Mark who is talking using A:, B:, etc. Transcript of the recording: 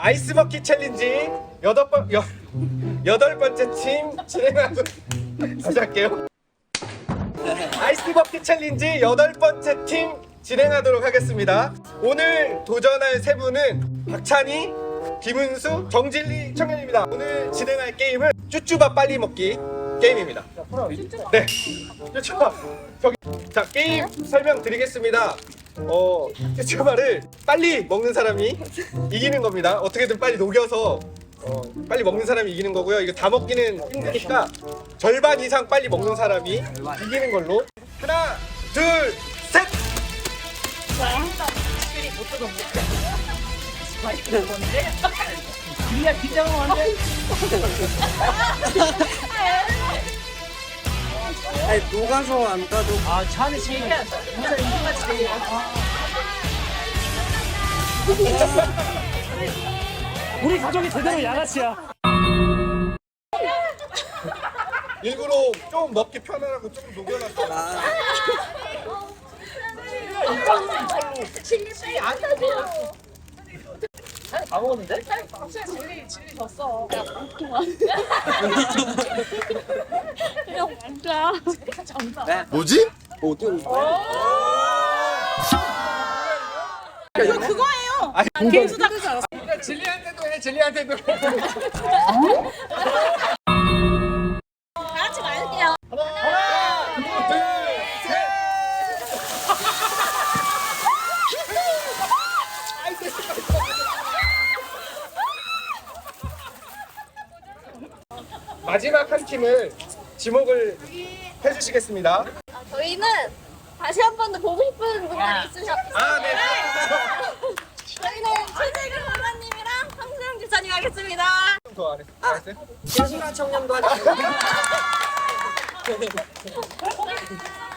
A: 아이스버킷 챌린지 여덟 번째 팀 진행하도록 다시 할게요. 아이스버킷 챌린지 여덟 번째 팀 진행하도록 하겠습니다. 오늘 도전할 세 분은 박찬희, 김은수, 정진리 청년입니다. 오늘 진행할 게임은 쭈쭈밥 빨리 먹기 게임입니다. 네, 쭈쭈밥. 자, 게임 설명드리겠습니다. 쭈쭈밥을 빨리 먹는 사람이 이기는 겁니다. 어떻게든 빨리 녹여서 빨리 먹는 사람이 이기는 거고요. 이거 다 먹기는 힘드니까 절반 이상 빨리 먹는 사람이 이기는 걸로. 하나, 둘, 셋!
B: 그냥 긴장을 하는데.
C: 아니 녹아서 안 따도
B: 아, 차는 시기야. 무슨 인간같이 돼. 우리 가족이 제대로 양아치야.
A: 일부러 좀 먹기 편하라고 조금 녹여놨어.
B: 다 먹었는데?
D: 진리 졌어. 그냥 왕자.
A: 뭐지?
C: 어디
D: 이거 그거예요. 개수다.
A: 진리한테도 해, 진리한테도 해.
D: 다 같이 말게요.
A: 하나, 둘, 셋! 마지막 한 팀을 지목을 해주시겠습니다.
D: 저희는 다시 한 번 더 보고 싶은 분들이 있으셨어요.
A: 아, 네.
D: 저희는 최재근 선생님이랑 황수영 집사님 하겠습니다.
A: 더 안 했어요?
C: 신수라 청년도 하자.